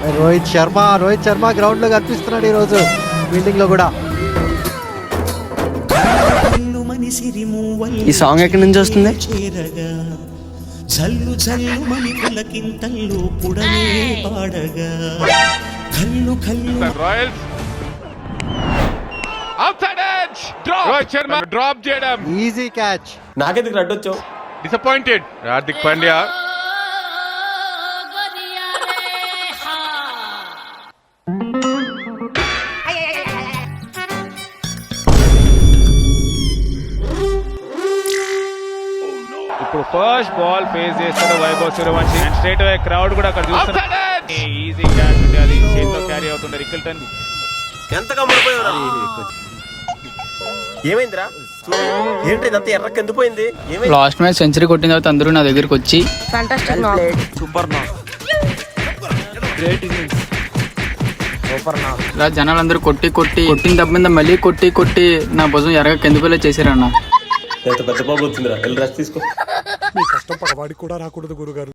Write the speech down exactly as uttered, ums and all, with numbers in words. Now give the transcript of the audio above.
Rohit Sharma Rohit Sharma ground లో కనిపిస్తున్నాడు ఈ రోజు ఫీల్డింగ్ లో కూడా. ఈ సాంగ్ ఎక్కడి నుంచి వస్తుంది? జల్లు జల్లు మని పులకింతల్లో పుడనే పాడగా కల్లు కల్లు Royals outside edge drop Rohit Sharma drop చేయడం ఈజీ క్యాచ్. నాకెందుకు అడ్డొచ్చావు? డిసప్పాయింటెడ్ హార్దిక్ పాండ్యా. ఇప్పుడు ఫస్ట్ బాల్ ఫేస్ చేస్తాడు Vaibhav Suryavanshi. Straight away crowd కూడా అక్కడ చూస్తున్నారు. ఈజీ క్యాచ్ ఉంటే అది చేతితో క్యారీ అవుతుండే రికిల్టన్. ఎంతగా ముడిపోయావురా? ఏమైందిరా? ఏంటి ఇదంతా ఎర్రకి ఎందుపోయింది? ఏమైంది? లాస్ట్ మ్యాచ్ సెంచరీ కొట్టిన తర్వాత అందరూ నా దగ్గరికి వచ్చి సూపర్ నా ఇలా జనాలందరూ కొట్టి కొట్టి కొట్టిన దెబ్బ మీద మళ్ళీ కొట్టి కొట్టి నా భుజం ఎరగ కిందపల్లి చేశారన్న. పెద్ద పెద్ద బాబు వచ్చిందిరా, వెళ్ళి రెస్ట్ తీసుకో. మీ కష్టం పగవాడికి కూడా రాకూడదు గురుగారు.